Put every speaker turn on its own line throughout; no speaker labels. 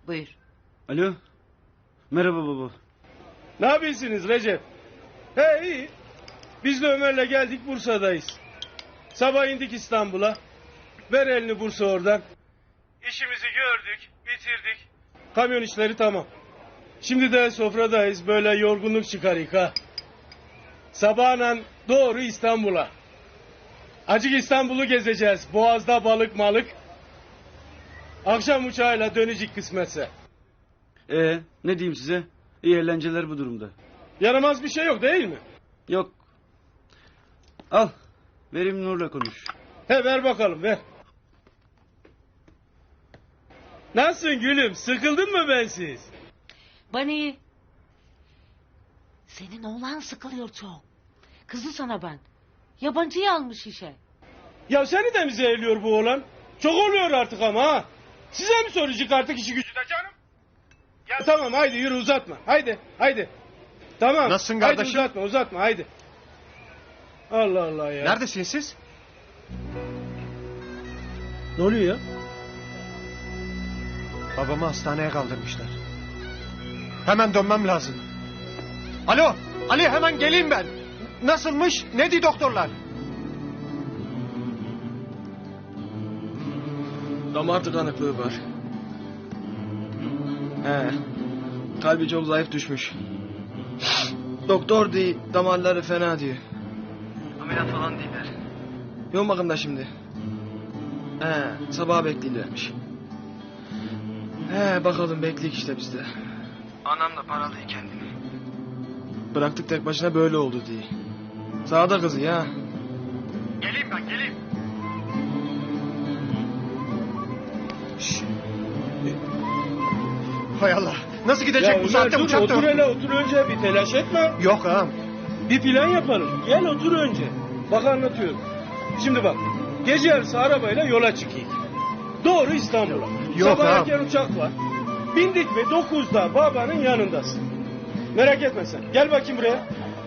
Buyur.
Alo. Merhaba baba.
Ne yapıyorsunuz Recep? He iyi. Biz de Ömer'le geldik, Bursa'dayız. Sabah indik İstanbul'a. Ver elini Bursa oradan. İşimizi gördük, bitirdik. Kamyon işleri tamam. Şimdi de sofradayız, böyle yorgunluk çıkarık ha. Sabahla doğru İstanbul'a. Acık İstanbul'u gezeceğiz. Boğaz'da balık malık. Akşam uçağıyla dönecek kısmetse.
Ne diyeyim size? İyi eğlenceler bu durumda.
Yaramaz bir şey yok değil mi?
Yok. Al. Verim Nur'la konuş.
He ver bakalım ver. Nasılsın gülüm? Sıkıldın mı bensiz?
Bana iyi. Senin oğlan sıkılıyor çok. Kızı sana ben. Yabancıyı almış işe.
Ya seni de mi zehirliyor bu oğlan? Çok oluyor artık ama ha. Size mi soracak artık işi gücü de canım? Ya tamam haydi yürü uzatma. Haydi. Tamam.
Nasılsın kardeşim?
Haydi uzatma haydi. Allah Allah ya.
Neredesiniz siz?
Ne oluyor ya?
Babamı hastaneye kaldırmışlar. Hemen dönmem lazım. Alo, Ali hemen geleyim ben. Nasılmış? Ne diyor doktorlar?
Damar tıkanıklığı var. Kalbi çok zayıf düşmüş. Doktor diyor, damarları fena diyor. Ameliyat falan değiller. Yoğun bakımda şimdi. Sabaha bekliyorlarmış. Bakalım bekleyik işte biz de. Anam da paralıyor kendini. Bıraktık tek başına böyle oldu diye. Sana da kızı ya.
Geleyim ben, geleyim. Hay Allah, nasıl gidecek
Ya
bu
Ömer,
saatte
dur,
uçak da
otur
yok.
hele otur önce bir telaş etme.
Yok ağam.
Bir plan yapalım. Gel otur önce. Bak anlatıyorum. Şimdi bak. Gece yarısı arabayla yola çıkayım. Doğru İstanbul'a.
Yok
Sabah
ha.
erken uçak var. Bindik mi 9'da babanın yanındasın. Merak etme sen. Gel bakayım buraya.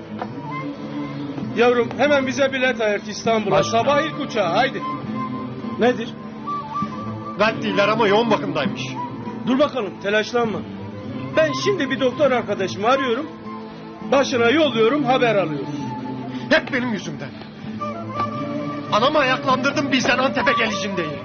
Yavrum hemen bize bilet ayırt İstanbul'a.
Başla.
Sabah ilk uçağı haydi. Nedir?
Kalp değiller ama yoğun bakımdaymış.
Dur bakalım telaşlanma. Ben şimdi bir doktor arkadaşımı arıyorum. Başına yolluyorum haber alıyoruz.
Hep benim yüzümden. Anamı ayaklandırdım bizden Antep'e gelişim diye.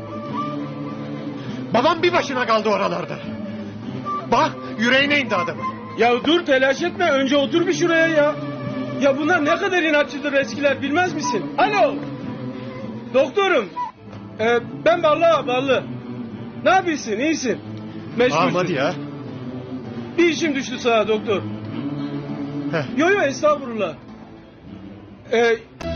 Babam bir başına kaldı oralarda. Bak yüreğine indi adamın.
Ya dur telaş etme önce otur bir şuraya ya. Ya bunlar ne kadar inatçıdır eskiler bilmez misin? Alo. Doktorum. Ben Ballı. Ne yapıyorsun iyisin? Meşgulsün.
Ağam hadi ya.
Bir işim düştü sana doktor.
Heh.
Yo estağfurullah.